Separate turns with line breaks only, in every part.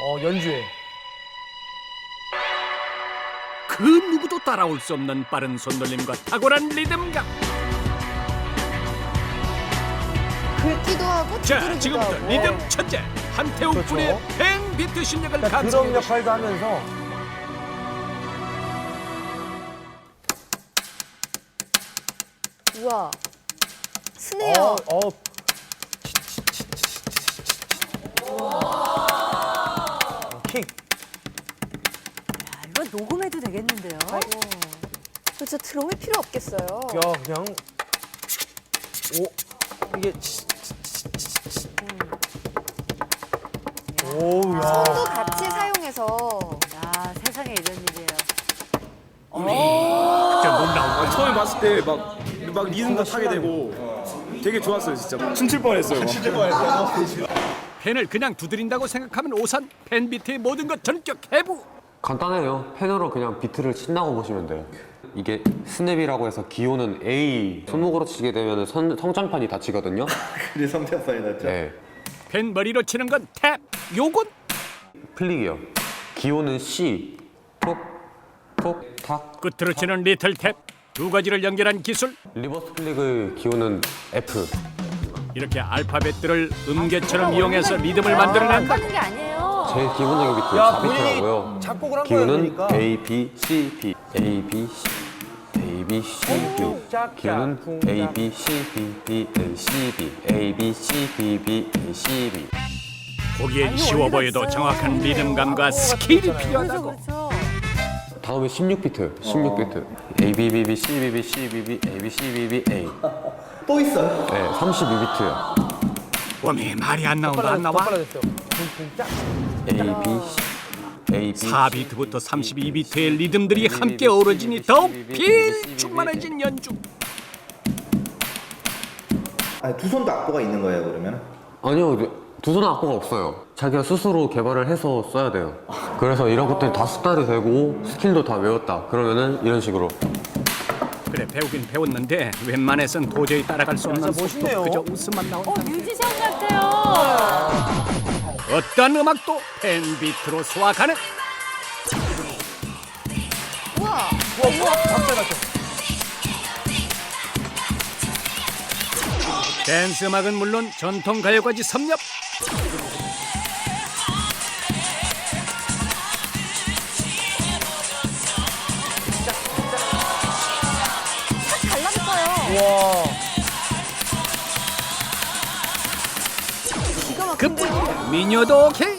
연주에.
그 누구도 따라올 수 없는 빠른 손놀림과 탁월한 리듬감.
긁기도 하고
자,
두드리기도
지금부터
하고.
리듬 천재 한태욱
그렇죠.
군의 팬 비트 실력을
그러니까 드럼
감상해 보시죠.
역할도 하면서
우와. 스네어.
킥.
이건 녹음해도 되겠는데요?
그렇죠. 드럼이 필요 없겠어요.
야, 그냥 이게 오우 야.
손도 같이 사용해서.
야, 세상에 이런 일이에요.
저못 나오고
처음에 봤을 때 막 리듬도 타게 되고 되게 좋았어요 진짜. 춤출 뻔했어요.
팬을 그냥 두드린다고 생각하면 오산 팬 비트의 모든 것 전격 해부.
간단해요. 펜으로 그냥 비트를 친다고 보시면 돼요. 이게 스냅이라고 해서 기호는 A. 손목으로 치게 되면 성장판이 다치거든요.
그래서 성장판이 났죠.
네.
팬 머리로 치는 건 탭. 요건
플릭이요. 기호는 C. 톡, 톡, 탁.
끝으로 치는 리틀 탭. 두 가지를 연결한 기술.
리버스 플릭의 기호는 F.
이렇게 알파벳들을 음계처럼 이용해서 리듬을 만들어낸다.
하는 게 아니에요.
제일 기본적인 비트
야, 본인이
4비트라고요.
작곡을 한 거예요,
기호는
그러니까.
A, B, C, B. A, B, C. A, B, C, B.
짝짝,
기호는
쿵짝.
A, B, C, B, B, A, C, B. A, B, C, B, B, A, C, B.
보기엔 쉬워 보여도 정확한 리듬감과 스킬이
그렇죠,
필요하다고.
그렇죠.
다음에 16비트. 16비트. A, B, B, B, C, B, B, C, B, B, A, B, C, B, B, A.
또 있어요?
네, 32비트요.
웜이 말이 안 나온다 안 나와.
빨라졌어요. 쿵쿵짝.
A, B, C, A, B,
4비트부터 32비트의 리듬들이 함께 어우러지니 더욱 필충만해진 연주.
아니, 두 손도 악보가 있는 거예요, 그러면?
아니요, 두 손은 악보가 없어요. 자기가 스스로 개발을 해서 써야 돼요. 그래서 이런 것들이 다 습관이 되고 스킬도 다 외웠다. 그러면은 이런 식으로.
그래 배우긴 배웠는데 웬만해선 도저히 따라갈 수 없는
진짜
속도
멋있네요.
그저 웃음만 나온다.
뮤지션 같아요.
어떤 음악도 팬 비트로 소화 가능.
우와.
박자 맞죠?
댄스 음악은 물론 전통 가요까지 섭렵.
탁 달라붙어요.
와.
기가 막힌데요.
그뿐이야 미녀도 오케이.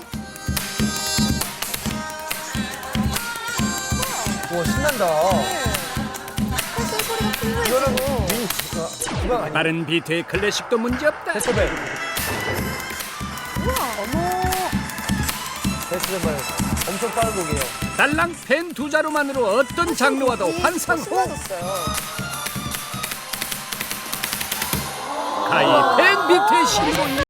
와, 신난다.
팔선 소리가
이거는
풍부해지고.
기방 아니야?
빠른 비트의 클래식도 문제없다.
데스벨.
우와. 어머.
데스벨. 엄청 빠른 곡이에요.
달랑 펜 두 자루만으로 어떤 장르와도 환상호.
신나졌어요.
가히 펜 비트의 신분.